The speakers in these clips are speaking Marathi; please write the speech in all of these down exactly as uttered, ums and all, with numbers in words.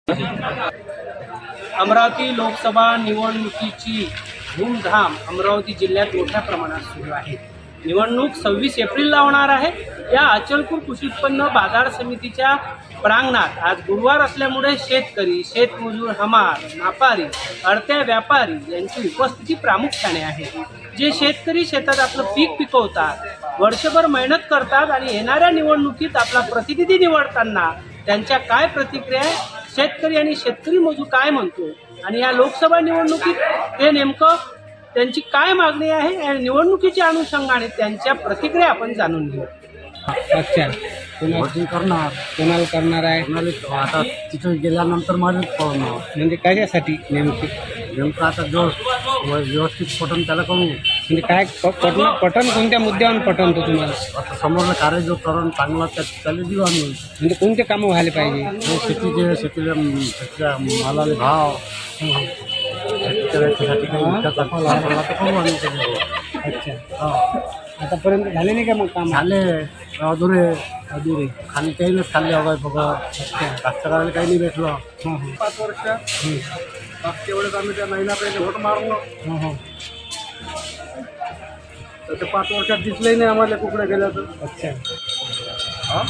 अमरावती लोकसभा निवडणुकीची धूमधाम अमरावती जिल्ह्यात मोठ्या प्रमाणात सुरू आहे। निवडणूक सव्वीस एप्रिलला होणार आहे। या अचलपूर कृषी उत्पन्न बाजार समितीच्या प्रांगणात आज गुरुवार असल्यामुळे शेतकरी, शेतमजूर, हमाल, व्यापारी, अडत्या व्यापारी यांची उपस्थिती प्रामुख्याने आहे। जे शेतकरी शेतात आपलं पीक पिकवतात, वर्षभर मेहनत करतात आणि येणाऱ्या निवडणुकीत आपला प्रतिनिधी निवडताना त्यांच्या काय प्रतिक्रिया आहे, शेतकरी आणि शेतकरी मजूर काय म्हणतो आणि या लोकसभा निवडणुकीत ते नेमकं त्यांची काय मागणी आहे या निवडणुकीच्या अनुषंगाने त्यांच्या प्रतिक्रिया आपण जाणून घेऊ। अच्छा, वोटिंग करणार कोणाला करणार आहे? कोणाला आता तिथे गेल्यानंतर मला कळणार म्हणजे कशासाठी नेमकी? नेमकं आता जो व्यवस्थित पटन त्याला करू। म्हणजे काय प- पटन पटन कोणत्या मुद्द्यावर पटन तो तुम्हाला? आता समोरला कार्य जो करून चांगला त्या त्याला देऊ आम्ही। म्हणजे कोणते कामं व्हायला पाहिजे? जो शेतीचे शेतीला त्याच्या मालाला भाव शेतीच्या याच्यासाठी काही विकास आपला आपला तर करू आम्ही त्याच्यावर। अच्छा, हा आतापर्यंत झाले नाही का मग काम? झाले अधुरे अधुरे. खाली काही नाही खाल्ले अवघड फक्त कास्तकाराला काही नाही भेटलं। हां हां पाच वर्ष मागच्या वेळेस आम्ही त्या महिना पहिले व्होट मारलो हां हां तर ते पाच वर्षात दिसलंही नाही आम्हाला कुकडे गेल्या तर। अच्छा. हा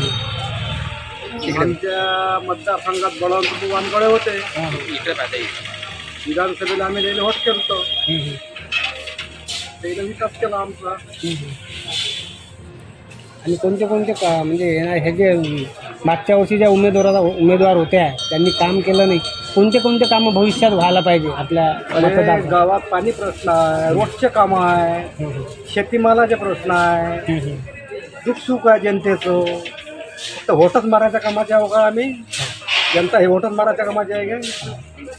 आमच्या मतदारसंघात बळवंत वानकडे होते। हां हां विधानसभेला आम्ही त्याला व्होट केलं हं, हं. त्याला विकास केला आमचा। हं, हं. आणि कोणते कोणते का म्हणजे येणार हे जे मागच्या वर्षी ज्या उमेदवाराचा उमेदवार होत्या त्यांनी काम केलं नाही, कोणते कोणते कामं भविष्यात व्हायला पाहिजे आपल्या अरे मतदार? गावात पाणी प्रश्न आहे, रोडचे कामं आहे, हं, हं. शेतीमालाचे प्रश्न आहे, हं, हं. दुःखसुख आहे जनतेचं। फक्त व्होटच मारायच्या कामाचे आहे का आम्ही? जनता हे व्होटच मारायच्या कामाचे आहे का?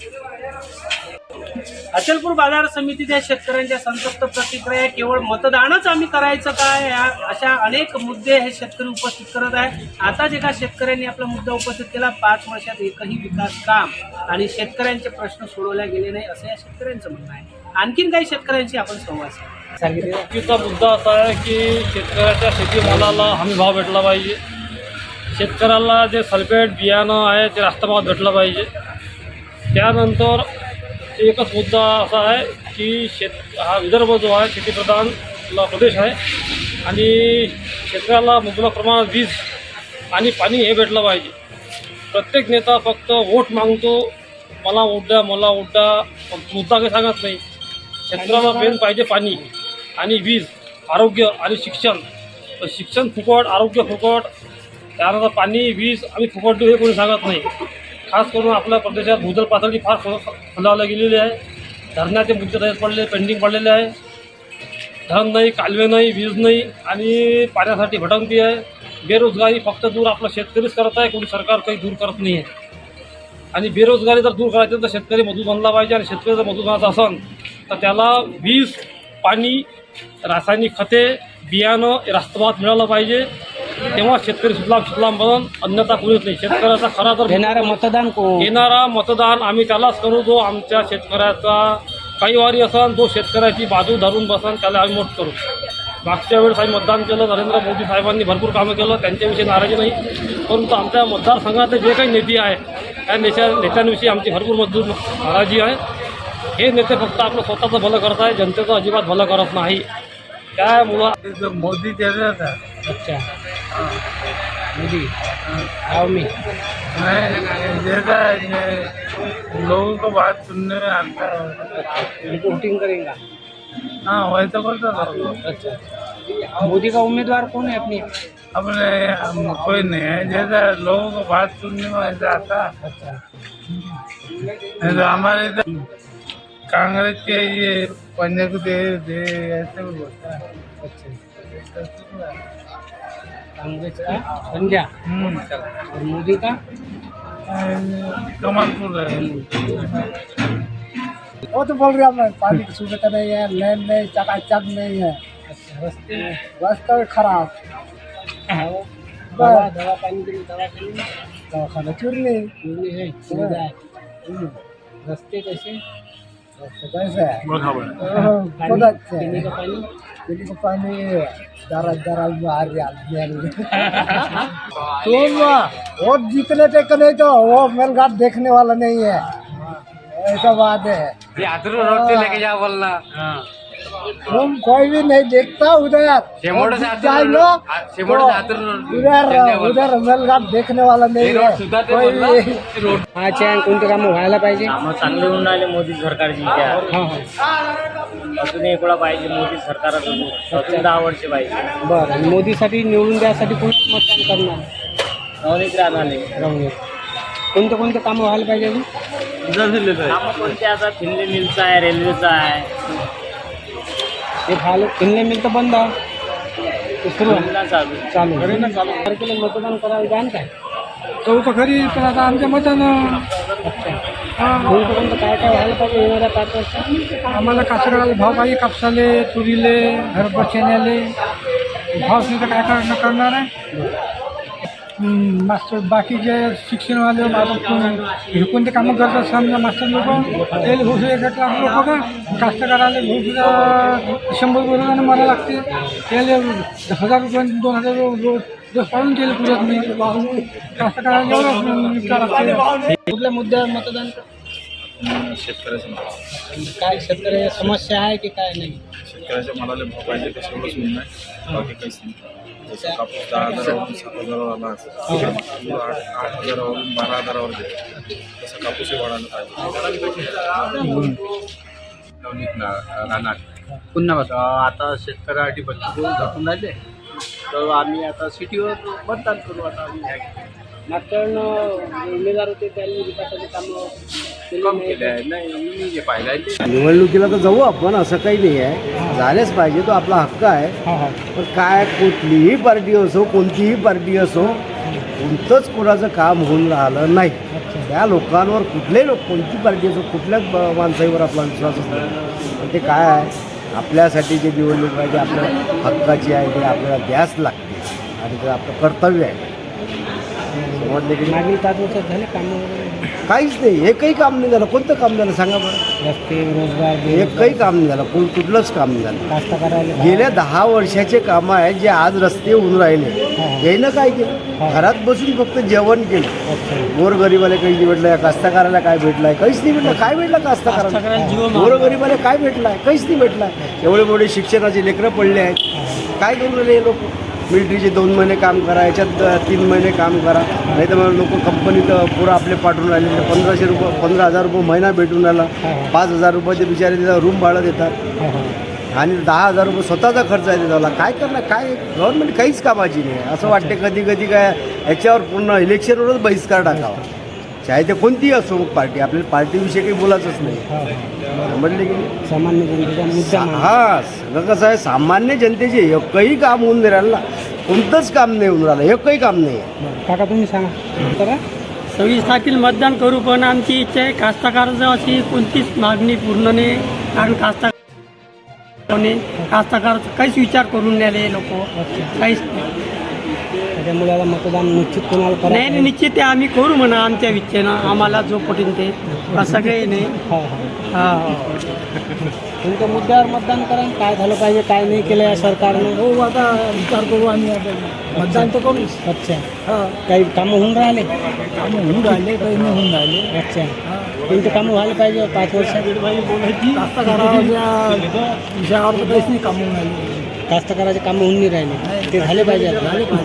अचलपूर बाजार समितीच्या शेतकऱ्यांच्या संतप्त प्रतिक्रिया केवळ मतदानच आम्ही करायचं काय या अशा अनेक मुद्दे हे शेतकरी उपस्थित करत आहे। आताच एका शेतकऱ्यांनी आपला मुद्दा उपस्थित केला, पाच वर्षात एकही विकास काम आणि शेतकऱ्यांचे प्रश्न सोडवले गेले नाही असं या शेतकऱ्यांचं म्हणणं आहे। आणखीन काही शेतकऱ्यांशी आपण संवाद साधू. सांगितलं. शेतीचा मुद्दा असा आहे की शेतकऱ्याच्या शेतीमालाला हमी भाव भेटला पाहिजे। शेतकऱ्याला जे सल्फेट बियाणं आहे ते रास्त भावात भेटलं पाहिजे। त्यानंतर एकच मुद्दा असा आहे की शेत हा विदर्भ जो आहे शेतीप्रधान प्रदेश आहे आणि शेतकऱ्याला मुबलक प्रमाणात वीज आणि पाणी हे भेटलं पाहिजे। प्रत्येक नेता फक्त वोट मागतो, मला वोट द्या मला वोट द्या, मुद्दा काही सांगत नाही। शेतकऱ्याला मेन पाहिजे पाणी आणि वीज, आरोग्य आणि शिक्षण। तर शिक्षण फुकट, आरोग्य फुकट, त्यानंतर पाणी वीज आणि फुकट देऊ हे कोणी सांगत नाही। खास करून आपल्या प्रदेशात भूजल पातळी फार खालावली गेलेली आहे। धरणाचे मुद्दे तसेच पडले पेंडिंग पडलेले आहे। धरण नाही, कालवे नाही, वीज नाही आणि पाण्यासाठी भटकंती आहे। बेरोजगारी फक्त दूर आपला शेतकरीच करत आहे, कोणी सरकार काही दूर करत नाही आहे। आणि बेरोजगारी जर दूर करायची तर शेतकरी मजूर बनला पाहिजे आणि शेतकरी जर मजूर बनायचा असेल तर त्याला वीज, पाणी, रासायनिक खते, बियाणं रास्तभावात मिळालं पाहिजे, तेव्हा शेतकरी सुजलाम सुफलाम बनून अन्यथा कोणीच नाही। शेतकऱ्याचा खरा तर येणारं मतदान को येणारा मतदान आम्ही त्यालाच करू जो आमच्या शेतकऱ्याचा काही वारी असन, जो शेतकऱ्याची बाजू धरून बसन त्याला आम्ही मत करू। मागच्या वेळेस आम्ही मतदान केलं, नरेंद्र मोदी साहेबांनी भरपूर कामं केलं, त्यांच्याविषयी नाराजी नाही, परंतु आमच्या मतदारसंघातले जे काही नेते आहे त्या नेत्या नेत्यांविषयी आमची भरपूर मजबूत नाराजी आहे। हे नेते फक्त आपलं स्वतःचं भलं करत आहे, जनतेचं अजिबात भलं करत नाही। त्यामुळं मोदी दे रहा था। अच्छा, मोदी आओ मी लोगों को बात सुनने में आता है। रिपोर्टिंग करेगा। हाँ वैसा करता था। अच्छा, मोदी का उम्मीदवार कौन है अपनी? अपने हम कोई नहीं है, जैसा लोगों को बात सुनने में ऐसा आता। अच्छा, नहीं तो हमारे इधर कांग्रेस के ये पंजे को दे दे ऐसे भी बोलता है। अच्छा, कांग्रेस का पंजा हम्म और मोदी का कमलपुर है। वो तो बोल रहा मैं पानी की सुविधा नहीं है, लेन नहीं, चकाचक नहीं है, अच्छा, रस्ते रास्ता खराब, दवा दवा पानी के लिए दवा के लिए दवाखाना चुरनी चूरनी है, सुविधा है। रस्ते कैसे? कैसे है बरोबर खुद अच्छे पीने हैं का पानी पीने का पानी जरा जरा बाहर तुम वो जीतने टेक नहीं तो वो मेलघाट देखने वाला नहीं है ऐसा बात है लेके जा बोलना तुम कोई भी नहीं देखता उधर शेमोड़ से जीत आते जाए रोड- लो, आ- शेमोड़ तो से आते रोड- उधर उधर मेलघाट देखने वाला नहीं है कोई भी अच्छा आणि कोणते कामं व्हायला पाहिजे कामं चांगले होऊन राहिले मोदी सरकारची त्या हां हां अजून एकोळा पाहिजे मोदी सरकाराकडून अजून दहा वर्ष पाहिजे बरं आणि मोदीसाठी निवडून द्यासाठी कोणी मतदान करणार नवनीत राहणारे राहून कोणते कोणते कामं व्हायला पाहिजे अजून कामं कोणते आता फिनले मिलचं आहे रेल्वेचं आहे ते झालं फिनले मिल तर बंद आहे ते सुरू आहे फिनला चालू चालू चालू तारखेला मतदान करायला जाण काय चौथं खरी तर आता आमच्या मतानं कोणतं कोणतं काय काय व्हायला पाहिजे येणाऱ्या पाच वर्षात आम्हाला कास्तकाराला भाव पाहिजे कापसाले तुरीले हरभरा चण्याले भाव सुद्धा काय करणं करणार आहे हम्म, मास्टर बाकीचे शिक्षणवाले आता हे कोणते कामं करतात समजा मास्टर लोक त्याला भाऊ सुद्धा एक लाख लोक का कास्तकाराला भाऊ सुद्धा शंभर रुपये मला लागते त्याला हजार रुपये दोन हजार रुपये रोज पाळून केले पुरत नाही कास्तकाराला एवढं विचार लागते कुठल्या मुद्द्यावर मतदान कर- शेतकऱ्याच्या काय शेतकऱ्याच्या समस्या आहे की काय नाही शेतकऱ्याच्या मालाला भाव पाहिजे तसं एवढंच होऊन नाही बाकी काहीच नाही जसं कापूस दहा हजारावरून सात हजारावर आला असेल तूर आठ आठ हजारावरून बारा हजारावर गेला तसं कापूसही वाढायला पाहिजे नवनीत राहणार पुन्हा बघा आता शेतकऱ्यासाठी बच्चे घटून राहिले तर आम्ही आता सिटीवर मतदान करू आता आम्ही ह्या मागच्या उमेदवार होते त्यांनी विकासाचे कामं केली कम नाही. केले आहे नाही मी जे पाहिलं आहे ते निवडणुकीला तर जाऊ आपण असं काही नाही आहे झालेच पाहिजे तो आपला हक्क आहे हा हा पण काय कुठलीही पार्टी असो कोणतीही पार्टी असो कोणतंच कोणाचं काम होऊन राहिलं नाही त्या लोकांवर कुठलेही लोक कोणती पार्टी असो कुठल्याच ब- माणसाईवर आपला विश्वास असतो पण ते काय आहे आपल्यासाठी जे निवडणूक आहे ते आपल्या हक्काची आहे ते आपल्याला द्यास लागते आणि ते आपलं कर्तव्य आहे समजले की नाही? मागील पाच वर्षात झाले कामं वगैरे काहीच नाही एकही काम नाही झालं कोणतं काम झालं सांगा बरं रस्ते रोजगार एकही काम नाही झालं कोण कुठलंच काम नाही झालं कास्तकाराला गेल्या दहा वर्षाचे कामं आहेत जे आज रस्ते होऊन राहिले यानं काय केलं घरात बसून फक्त जेवण केलं गोरगरीबाला काही भेटलं कास्तकाराला काय भेटलंय काहीच नाही भेटलं काय भेटलं कास्तकाराला गोरगरीबाला काय भेटलाय काहीच नाही भेटलाय एवढे मोठे शिक्षणाचे लेकरं पडले आहेत काय करून राहिले हे लोक मिलिटरीचे दोन महिने काम करा याच्यात तीन महिने काम करा नाही तर मग लोक कंपनीत पुरं आपले पाठवून राहिले ते पंधराशे रुपये पंधरा हजार रुपये महिना भेटून राहिला पाच हजार रुपये ते बिचारे तिथं रूम भाडं देतात आणि दहा हजार रुपये स्वतःचा खर्च आहे त्याला काय करणार काय गव्हर्नमेंट काहीच कामाची नाही असं वाटते कधी कधी काय याच्यावर पूर्ण इलेक्शनवरच बहिष्कार टाकावा चाहे ते कोणतीही असो मग पार्टी आपल्याला पार्टीविषयी काही बोलायचंच नाही समजले की नाही सामान्य जनतेचा मुद्दा मांडला. हा सगळं कसं आहे सामान्य जनतेचे एकही काम होऊन नाही राहिलं ना कोणतंच काम नाही होऊन राहिलं एकही काम नाही आहे बरं. काका तुम्ही सांगा तर सव्वीस तारखेला मतदान करू पण आमची इच्छा आहे कास्तकाराचं अशी कोणतीच मागणी पूर्ण नाही कारण कास्ता कास्तकाराचा काहीच विचार करून नाही लोक काहीच नाही. त्याच्यामुळे आता मतदान निश्चित कोणाला नाही नाही, करायचं निश्चित आहे आम्ही करू म्हणा आमच्या इच्छेनं आम्हाला जो पटेल ते असं काही नाही हा हा हा हा. कोणत्या मुद्द्यावर मतदान करा काय झालं पाहिजे काय नाही केलं या सरकारनं हो आता विचार करू आम्ही आता मतदान तर करूच अच्छा काही कामं होऊन राहिले कामं होऊन राहिले काही नाही होऊन राहिले अच्छा कोणते कामं व्हायला पाहिजे पाच वर्षात कास्तकाराच्या विषयावर तर काहीच नाही कामं होऊन राहिले कास्तकाराचे कामं होऊन नाही राहिले ते झाले पाहिजे आता.